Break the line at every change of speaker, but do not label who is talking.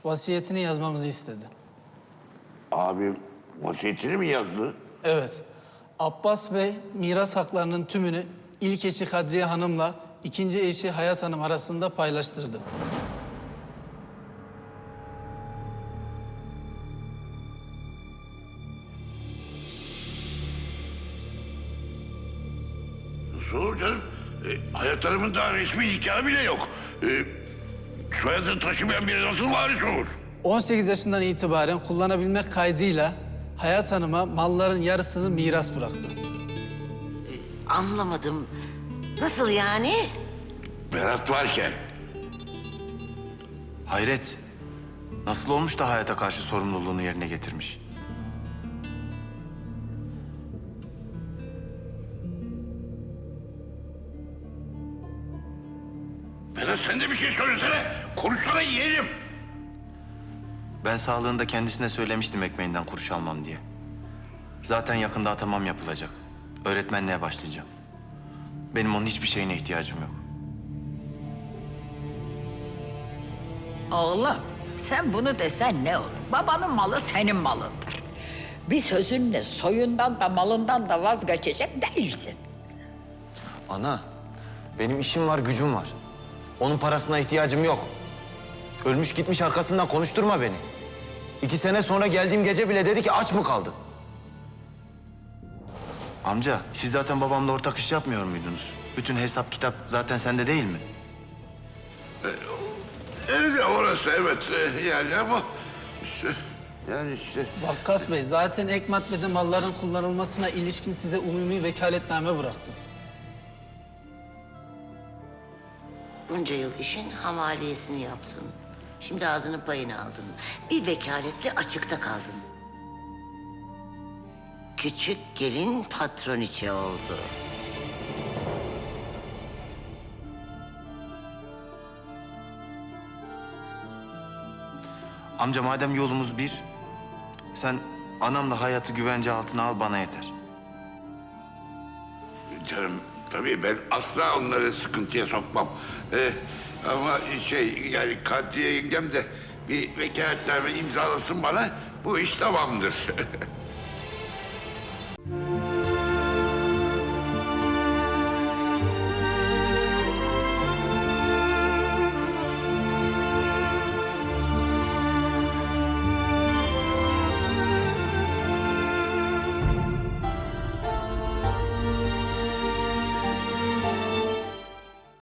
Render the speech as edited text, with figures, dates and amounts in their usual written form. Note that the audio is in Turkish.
vasiyetini yazmamızı istedi.
Abim vasiyetini mi yazdı?
Evet, Abbas Bey miras haklarının tümünü ilk eşi Kadriye Hanım'la ikinci eşi Hayat Hanım arasında paylaştırdı.
Nasıl olur canım? Hayat Hanım'ın daha resmi nikahı bile yok. Soyadını taşımayan biri nasıl varis olur?
18 yaşından itibaren kullanabilmek kaydıyla Hayat Hanım'a malların yarısını miras bıraktı.
Anlamadım. Nasıl yani?
Berat varken.
Hayret. Nasıl olmuş da hayata karşı sorumluluğunu yerine getirmiş?
Berat sen de bir şey söylesene. Konuşsana yeğenim.
Ben sağlığında kendisine söylemiştim ekmeğinden kuruş almam diye. Zaten yakında atamam yapılacak. Öğretmenliğe başlayacağım. Benim onun hiçbir şeyine ihtiyacım yok.
Oğlum, sen bunu desen ne olur? Babanın malı senin malındır. Bir sözünle soyundan da malından da vazgeçecek değilsin.
Ana, benim işim var, gücüm var. Onun parasına ihtiyacım yok. Ölmüş gitmiş arkasından konuşturma beni. 2 sene sonra geldiğim gece bile dedi ki aç mı kaldın? Amca, siz zaten babamla ortak iş yapmıyor muydunuz? Bütün hesap kitap zaten sende değil mi?
Orası evet yani ama işte yani işte.
Vakkas Bey zaten ek maddede malların kullanılmasına ilişkin size umumi vekaletname bıraktı.
Bunca yıl işin hamaliyesini yaptın. Şimdi ağzının payını aldın. Bir vekaletle açıkta kaldın. Küçük gelin patroniçe oldu.
Amca madem yolumuz bir, sen anamla hayatı güvence altına al bana yeter.
Canım tabii ben asla onları sıkıntıya sokmam. Ama yani Kadriye yengem de bir vekaletname imzalasın bana, bu iş tamamdır.